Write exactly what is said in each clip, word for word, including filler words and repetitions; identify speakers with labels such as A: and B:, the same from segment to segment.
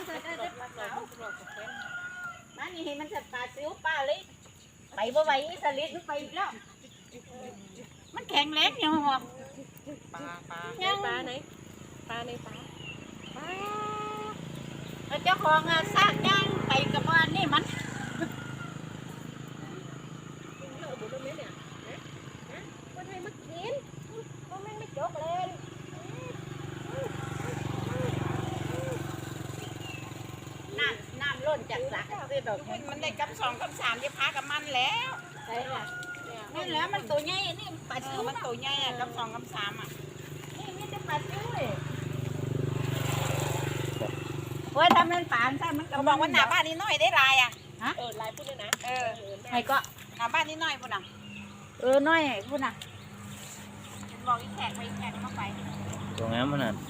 A: จะจะจะปลาขาวมานี่ให้มันจะปลาซิวปลาเล็กไปบ่ไหวสลิดไปอีกแล้วมันแข็งแรงยังหรอปลาปลาปลาไหนปลาในปลาปลาเจ้าของอ่ะสร้างย่างไปกับว่านี่มันจากหลักคือดอกมันได้กับสองกับสามจะพากับมันแล้วใช่ค่ะนี่แหละมันตัวใหญ่นี่ปลาซิวมันตัวใหญ่อะกับสองกับสามอ่ะนี่นี่จะปลาซิวเลยโอ้ยทำเป็นป่านใช่มันเขาบอกว่าหน้าบ้านนี้น้อยได้ลายอ่ะฮะเออลายพูดเลยนะเออใครก็หน้าบ้านนี้น้อยพูดน่ะเออน้อยพูดน่ะบอกอีแขกไปอีแขกเข้าไป
B: ตรงนั้นมันน่ะ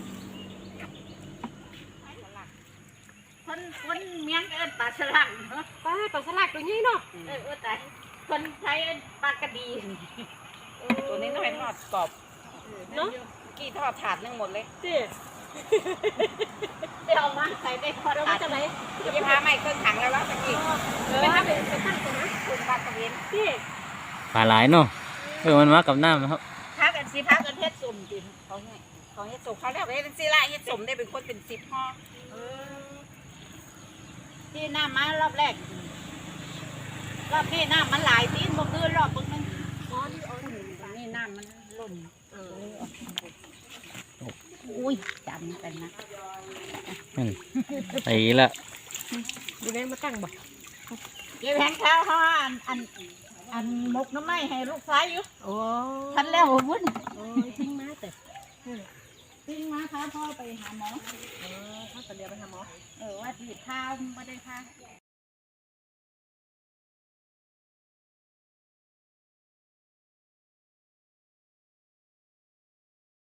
A: คนคนเมียงเอิ้นปลาสลักปลาปลาสลักตัวนี้เนาะเออว่าแต่คนไทยเอิ้นปลากระดีตัวนี้น้อยทอดกรอบเนาะกี่ทอดถาดนึงหมดเลยสิเดี๋ยวมาใส่ได้ทอดถาดจะไหนจะพาใหม่เครื่องถังแล้วว่าตะกี้ไปทำเป็นไปตั้งตรงนั้นคุณปลากระเวนสิ
B: ปลาหลายเนาะเออมันมากับน้ำครับ
A: พักกันสิพักกันเฮ็ดสุ่มกินเขาให้เขาเฮ็ดสุ่มเขาเรียกว่าเฮ็ดสิละเฮ็ดสุ่มได้เป็นคนเป็นสิบห่อที่น้ำมารอบแรกรอบนี้น้ำมันหลายทีบ่คือรอบนึงอ๋อนี่อ๋อนี่น้ำมันล้นเอออุ้ยจำกันนะ
B: ไอ้ละ
A: ดูแม่มาตั้งบ่เดี๋ยวแผงข้าวเขาอันอันอันมกน้ำไม้ให้ลูกชายอยู่โอ้ทันแล้ววุ่นโอ้ยทิ้งมาแต่ทิ้งมาพาพ่อไปหาหมอเออพ่อจะเรียกไปหาหมอเออว่าที่พาไม่ได้พา